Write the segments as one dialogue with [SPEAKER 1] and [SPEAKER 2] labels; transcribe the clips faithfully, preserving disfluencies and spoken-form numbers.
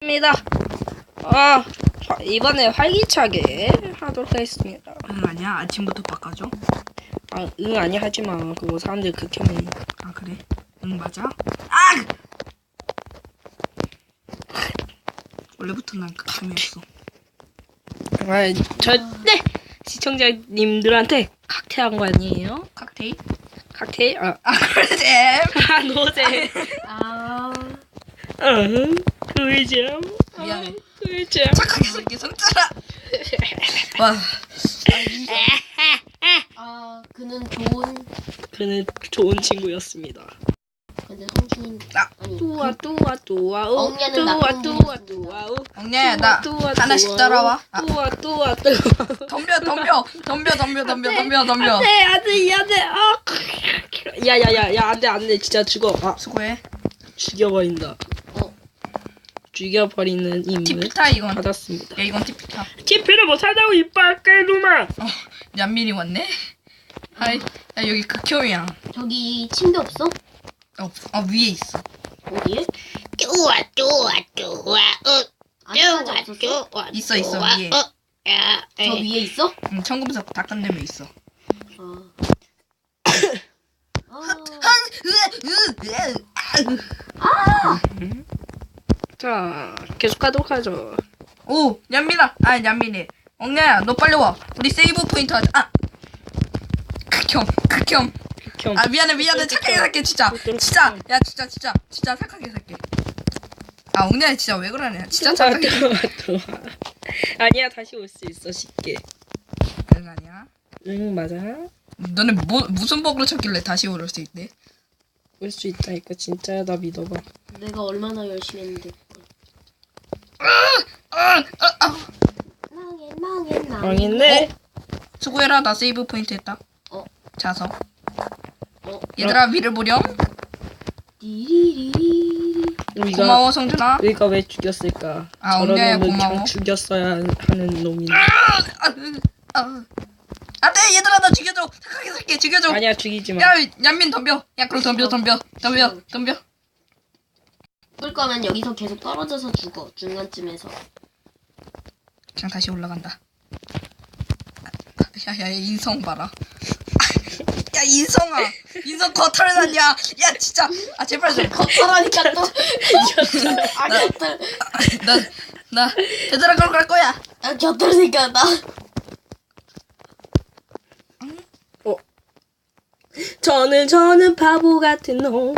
[SPEAKER 1] 입니다. 아, 이번에 활기차게 하도록 하겠습니다.
[SPEAKER 2] 응 아니야? 아침부터 바꿔줘?
[SPEAKER 1] 아, 응 아니 하지 마. 그거 사람들 극혐해.
[SPEAKER 2] 아 그래? 응 맞아? 아! 원래부터 난 극혐이었어.
[SPEAKER 1] 아, 절대 시청자님들한테 칵테일한 거 아니에요?
[SPEAKER 2] 칵테일?
[SPEAKER 1] 칵테일? 아,
[SPEAKER 2] 아 그러지.
[SPEAKER 1] 아 노잼.
[SPEAKER 3] 아,
[SPEAKER 1] 응, 꿀잼.
[SPEAKER 2] 미안해.
[SPEAKER 1] 꿀잼.
[SPEAKER 2] 착하게 살게 손자라. 와.
[SPEAKER 3] 아, 그는 좋은,
[SPEAKER 1] 그는 좋은 친구였습니다.
[SPEAKER 3] 근데 성추인,
[SPEAKER 2] 아,
[SPEAKER 3] 아니,
[SPEAKER 1] 뚜아 뚜아 뚜아 우
[SPEAKER 3] 엉냐는
[SPEAKER 1] 뚜아
[SPEAKER 3] 나쁜
[SPEAKER 1] 뚜아
[SPEAKER 3] 놈이었습니다.
[SPEAKER 1] 뚜아 우
[SPEAKER 2] 엉냐야 나 하나씩 따라와. 아,
[SPEAKER 1] 뚜아 뚜아 뚜아
[SPEAKER 2] 덤벼 덤벼 덤벼 덤벼 덤벼 덤벼 덤벼.
[SPEAKER 1] 안돼 안돼 안돼 아 야야야야 안돼 안돼 진짜 죽어 아
[SPEAKER 2] 수고해.
[SPEAKER 1] 죽여버린다
[SPEAKER 3] 어,
[SPEAKER 1] 죽여버리는 임무
[SPEAKER 2] 티피타 이건.
[SPEAKER 1] 받았습니다.
[SPEAKER 2] 야 이건 티피타.
[SPEAKER 1] 티피를 못한다고 이빨 깨누마.
[SPEAKER 2] 어 얀민이 왔네. 하이. 야 여기 극혐이야.
[SPEAKER 3] 저기 침대 없어?
[SPEAKER 2] 어, 어 위에 있어.
[SPEAKER 3] 어디에?
[SPEAKER 4] 뚜아 뚜아 뚜아 어
[SPEAKER 3] 아직까지
[SPEAKER 4] 뚜아
[SPEAKER 3] 없었어?
[SPEAKER 4] 뚜아
[SPEAKER 2] 있어, 있어,
[SPEAKER 4] 뚜아,
[SPEAKER 2] 위에.
[SPEAKER 4] 어, 야,
[SPEAKER 3] 저
[SPEAKER 4] 에.
[SPEAKER 3] 위에 있어?
[SPEAKER 2] 응 청금석 다 끝내면 있어.
[SPEAKER 3] 아. 아,
[SPEAKER 1] 자 계속하도록 하죠.
[SPEAKER 2] 오 얀민아. 아 얀민이. 엉냐야 너 빨리 와. 우리 세이브 포인트 하자. 아. 극혐 극혐.
[SPEAKER 1] 극혐.
[SPEAKER 2] 아 미안해 미안해 착하게 살게 진짜 진짜 야 진짜 진짜 진짜 착하게 살게. 아 엉냐야 진짜 왜 그러냐 진짜
[SPEAKER 1] 뚜아
[SPEAKER 2] 착하게.
[SPEAKER 1] 뚜아 뚜아 아니야 다시 올 수 있어 쉽게.
[SPEAKER 2] 응 아니야.
[SPEAKER 1] 응 맞아
[SPEAKER 2] 너네 뭐 무슨 버그를 쳤길래 다시 오를 수 있대?
[SPEAKER 1] 올 수 있다니까 진짜야 나 믿어봐.
[SPEAKER 3] 내가 얼마나 열심히 했는데.
[SPEAKER 2] 아, 아, 아.
[SPEAKER 3] 망해, 망해, 망해.
[SPEAKER 1] 망했네.
[SPEAKER 2] 수고해라 나 세이브 포인트 했다.
[SPEAKER 3] 어.
[SPEAKER 2] 자서.
[SPEAKER 3] 어.
[SPEAKER 2] 얘들아 위를 보렴.
[SPEAKER 3] 디리리리리.
[SPEAKER 1] 우리가
[SPEAKER 2] 고마워 성준아.
[SPEAKER 1] 우리가 왜 죽였을까?
[SPEAKER 2] 아,
[SPEAKER 1] 저런
[SPEAKER 2] 엉냐야,
[SPEAKER 1] 놈은
[SPEAKER 2] 고마워.
[SPEAKER 1] 그냥 죽였어야 하는 놈인데.
[SPEAKER 2] 아, 아. 안돼 얘들아 나 죽여줘. 착하게 살게 죽여줘.
[SPEAKER 1] 아니야 죽이지 마.
[SPEAKER 2] 야 얀민 덤벼. 야 그럼 덤벼 덤벼 덤벼 덤벼.
[SPEAKER 3] 꿀 거면 여기서 계속 떨어져서 죽어. 중간쯤에서.
[SPEAKER 2] 그냥 다시 올라간다. 야야 인성 봐라. 야 인성아 인성 거털 났냐? 야 진짜 아 제발 좀.
[SPEAKER 3] 겉털하니까 또. 아, 곁털.
[SPEAKER 2] 나나 얘들아 그럼 갈 거야.
[SPEAKER 3] 아, 곁털 생각나.
[SPEAKER 1] 어. 저는 저는 바보 같은 놈.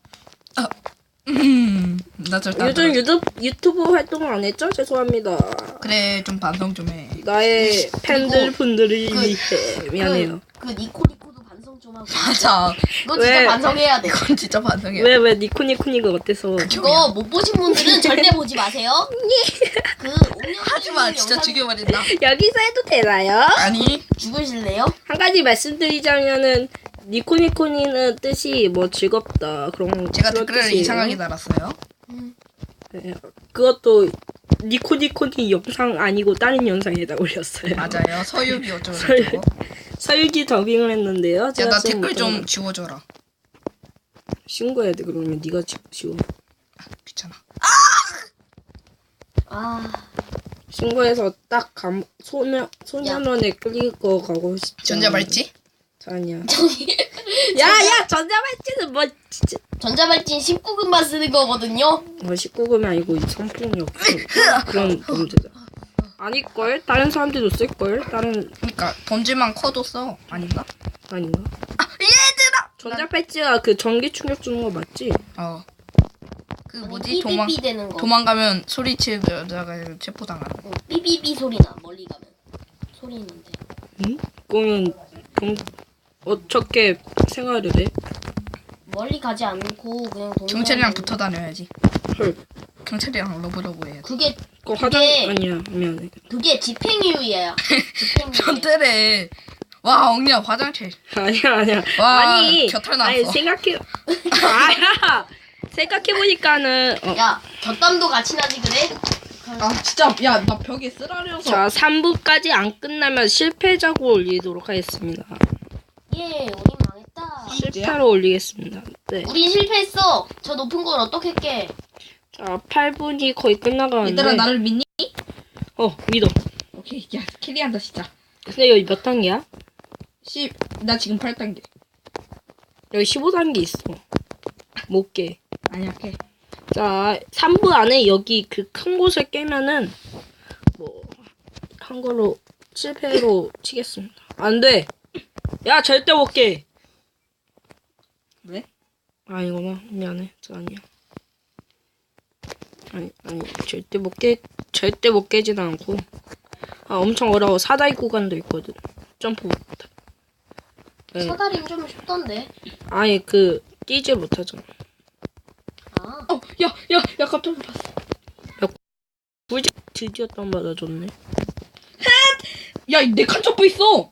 [SPEAKER 2] 음나 절대 안
[SPEAKER 1] 요즘
[SPEAKER 2] 들어.
[SPEAKER 1] 유튜브 유튜브 활동을 안 했죠? 죄송합니다.
[SPEAKER 2] 그래 좀 반성 좀 해.
[SPEAKER 1] 나의 팬들 분들을
[SPEAKER 3] 그-
[SPEAKER 1] 위해 미안해요.
[SPEAKER 3] 그, 그 니코니코도 반성 좀 하고.
[SPEAKER 2] 맞아.
[SPEAKER 3] 너 진짜
[SPEAKER 1] 왜?
[SPEAKER 3] 반성해야 돼.
[SPEAKER 2] 그건 진짜 반성해.
[SPEAKER 1] 왜 왜 니코니코니가 어때서?
[SPEAKER 3] 그거 못 보신 분들은 절대 보지 마세요. 그
[SPEAKER 2] 하지마 진짜 죽여버린다.
[SPEAKER 1] 여기서 해도 되나요?
[SPEAKER 2] 아니
[SPEAKER 3] 죽으실래요?
[SPEAKER 1] 한 가지 말씀드리자면은 니코니코니는 뜻이 뭐 즐겁다 그런
[SPEAKER 2] 제가
[SPEAKER 1] 그런
[SPEAKER 2] 댓글을
[SPEAKER 1] 뜻이에요.
[SPEAKER 2] 이상하게 달았어요.
[SPEAKER 1] 네, 그것도 니코니코니 영상 아니고 다른 영상에다 올렸어요.
[SPEAKER 2] 맞아요. 서유기 어쩌고
[SPEAKER 1] 서유-
[SPEAKER 2] 저쩌고.
[SPEAKER 1] 서유기 더빙을 했는데요. 제가
[SPEAKER 2] 야나
[SPEAKER 1] 지금
[SPEAKER 2] 댓글 좀
[SPEAKER 1] 못하는-
[SPEAKER 2] 지워줘라.
[SPEAKER 1] 신고해야 돼. 그러면 네가 지- 지워.
[SPEAKER 2] 귀찮아.
[SPEAKER 3] 아,
[SPEAKER 1] 신고해서 딱 감, 소년 소년원에 끌리고 가고 싶지.
[SPEAKER 2] 전자발찌?
[SPEAKER 1] 아니야.
[SPEAKER 3] 저기
[SPEAKER 1] 야야 전자발찌는 뭐 진짜
[SPEAKER 3] 전자발찌 십구 금만 쓰는 거거든요.
[SPEAKER 1] 뭐 십구 금이 아니고 성폭력 그런 범죄자. 아닐걸? 다른 사람들도 쓸걸? 다른
[SPEAKER 2] 그러니까 던질만 커도 써. 아닌가?
[SPEAKER 1] 아닌가?
[SPEAKER 2] 얘들아.
[SPEAKER 1] 전자발찌가 그 전기 충격 주는 거 맞지?
[SPEAKER 2] 어. 그
[SPEAKER 3] 아니,
[SPEAKER 2] 뭐지 도망
[SPEAKER 3] 삐삐삐 되는 거.
[SPEAKER 2] 도망가면 소리치는 여자가 체포당하는 거.
[SPEAKER 3] 어, 삐삐삐 소리 나. 멀리 가면 소리 있는데.
[SPEAKER 1] 응? 그러면 경, 어떻게 생활을 해?
[SPEAKER 3] 멀리 가지 않고 그냥 동네
[SPEAKER 2] 경찰이랑 붙어 다녀야지.
[SPEAKER 1] 헐.
[SPEAKER 2] 경찰이랑 러브러브 해야지.
[SPEAKER 3] 그게
[SPEAKER 1] 그거 화장
[SPEAKER 3] 그게-
[SPEAKER 1] 아니야 미안해.
[SPEAKER 3] 그게 집행유예야. 집행유예.
[SPEAKER 2] 전태래. 와 엉냐 화장실.
[SPEAKER 1] 아니야 아니야.
[SPEAKER 2] 와,
[SPEAKER 1] 아니
[SPEAKER 2] 곁털
[SPEAKER 1] 아니
[SPEAKER 2] 나왔어.
[SPEAKER 1] 생각해. 아야 생각해 보니까는 어.
[SPEAKER 3] 야, 곁담도 같이 나지 그래?
[SPEAKER 2] 아 진짜 야 나 벽에 쓰라려서.
[SPEAKER 1] 자 삼 부까지 안 끝나면 실패자고 올리도록 하겠습니다.
[SPEAKER 3] 예, 우리 망했다.
[SPEAKER 1] 실패로 올리겠습니다. 네.
[SPEAKER 3] 우린 실패했어. 저 높은 걸 어떻게 깨?
[SPEAKER 1] 자, 팔 분이 거의 끝나가는데.
[SPEAKER 2] 얘들아 나를 믿니?
[SPEAKER 1] 어, 믿어.
[SPEAKER 2] 오케이 야 캐리한다 진짜.
[SPEAKER 1] 근데 여기 몇 단계야?
[SPEAKER 2] 십 나 지금 팔 단계.
[SPEAKER 1] 여기 십오 단계 있어. 못 깨.
[SPEAKER 2] 아니야 오케이.
[SPEAKER 1] 자, 삼 부 안에 여기 그 큰 곳을 깨면은 뭐 한 걸로 실패로 치겠습니다. 안 돼. 야, 절대 못 깨.
[SPEAKER 2] 왜?
[SPEAKER 1] 아, 이거나 미안해. 저 아니야. 아니, 아니, 절대 못 깨, 절대 못 깨지는 않고. 아, 엄청 어려워. 사다리 구간도 있거든. 점프 못해. 네.
[SPEAKER 3] 사다리는 좀 쉽던데.
[SPEAKER 1] 아니, 그 뛰지 못하잖아.
[SPEAKER 3] 아,
[SPEAKER 2] 어, 야, 야, 야, 깜짝 놀랐어.
[SPEAKER 1] 꿀집 드디어 땀 맞아줬네.
[SPEAKER 2] 야, 내 칸초프 있어.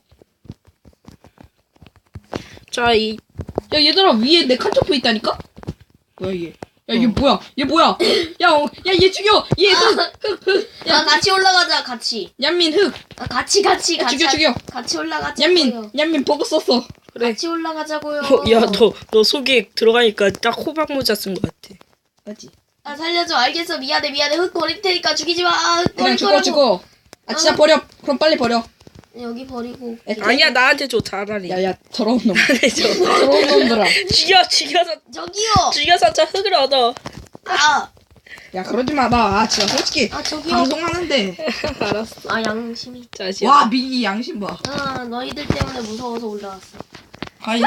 [SPEAKER 1] 자, 이
[SPEAKER 2] 야, 얘들아, 위에 내 칸초프 있다니까? 뭐야, 얘? 야, 얘
[SPEAKER 1] 어.
[SPEAKER 2] 뭐야? 얘 뭐야? 야, 어, 야, 얘 죽여! 얘 흑! 흑! 흑!
[SPEAKER 3] 야 같이 올라가자 같이.
[SPEAKER 2] 얀민 흑!
[SPEAKER 3] 아, 같이 같이
[SPEAKER 2] 야,
[SPEAKER 3] 같이.
[SPEAKER 2] 죽여, 죽여!
[SPEAKER 3] 같이 올라가자고요.
[SPEAKER 2] 얀민! 얀민 버그 썼어.
[SPEAKER 1] 그래.
[SPEAKER 3] 같이 올라가자고요.
[SPEAKER 1] 어, 야, 너, 너 속에 들어가니까 딱 호박 모자 쓴 것 같아.
[SPEAKER 2] 맞지?
[SPEAKER 3] 아 살려줘. 알겠어. 미안해 미안해. 흙 버릴 테니까 죽이지 마. 아, 흙
[SPEAKER 2] 그냥
[SPEAKER 3] 버릴
[SPEAKER 2] 죽어,
[SPEAKER 3] 거라고.
[SPEAKER 2] 죽어. 아, 진짜 버려. 그럼 빨리 버려.
[SPEAKER 3] 여기 버리고.
[SPEAKER 1] 아니야, 나한테 줘, 차라리.
[SPEAKER 2] 야, 야, 더러운 놈.
[SPEAKER 1] 나한테 줘.
[SPEAKER 2] 더러운 놈들아.
[SPEAKER 1] 죽여, 죽여서,
[SPEAKER 3] 저기요.
[SPEAKER 1] 죽여서 저 흙을 얻어.
[SPEAKER 3] 아,
[SPEAKER 2] 야, 그러지 마. 나, 아, 진짜 솔직히.
[SPEAKER 3] 아 저기요.
[SPEAKER 2] 방송하는데.
[SPEAKER 1] 알았어.
[SPEAKER 3] 아 양심이.
[SPEAKER 1] 자, 지금.
[SPEAKER 2] 와, 미기 양심 봐.
[SPEAKER 3] 아 너희들 때문에 무서워서 올라왔어.
[SPEAKER 2] 아이.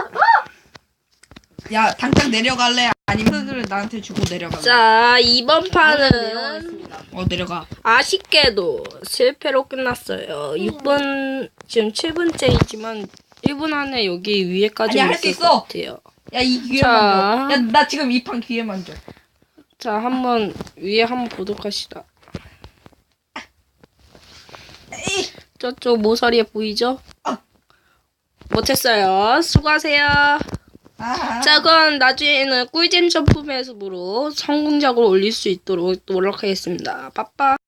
[SPEAKER 2] 야, 당장 내려갈래? 아니면 흙을 나한테 주고 내려갈래?
[SPEAKER 1] 자, 이번 판은
[SPEAKER 3] 내려가겠습니다.
[SPEAKER 2] 어, 내려가.
[SPEAKER 1] 아쉽게도 실패로 끝났어요. 육 분, 지금 칠 분째이지만 일 분 안에 여기 위에까지
[SPEAKER 2] 아니야, 할수
[SPEAKER 1] 있을
[SPEAKER 2] 있어.
[SPEAKER 1] 것 같아요.
[SPEAKER 2] 야, 이 기회만
[SPEAKER 1] 자.
[SPEAKER 2] 줘. 야, 나 지금 이 판 기회만 줘.
[SPEAKER 1] 자, 한번 위에 한번 보도록 합시다.
[SPEAKER 2] 에이.
[SPEAKER 1] 저쪽 모서리에 보이죠?
[SPEAKER 2] 아.
[SPEAKER 1] 못했어요. 수고하세요.
[SPEAKER 2] 아.
[SPEAKER 1] 자, 그럼 나중에는 꿀잼 점프 매습으로 성공적으로 올릴 수 있도록 노력하겠습니다. 빠빠.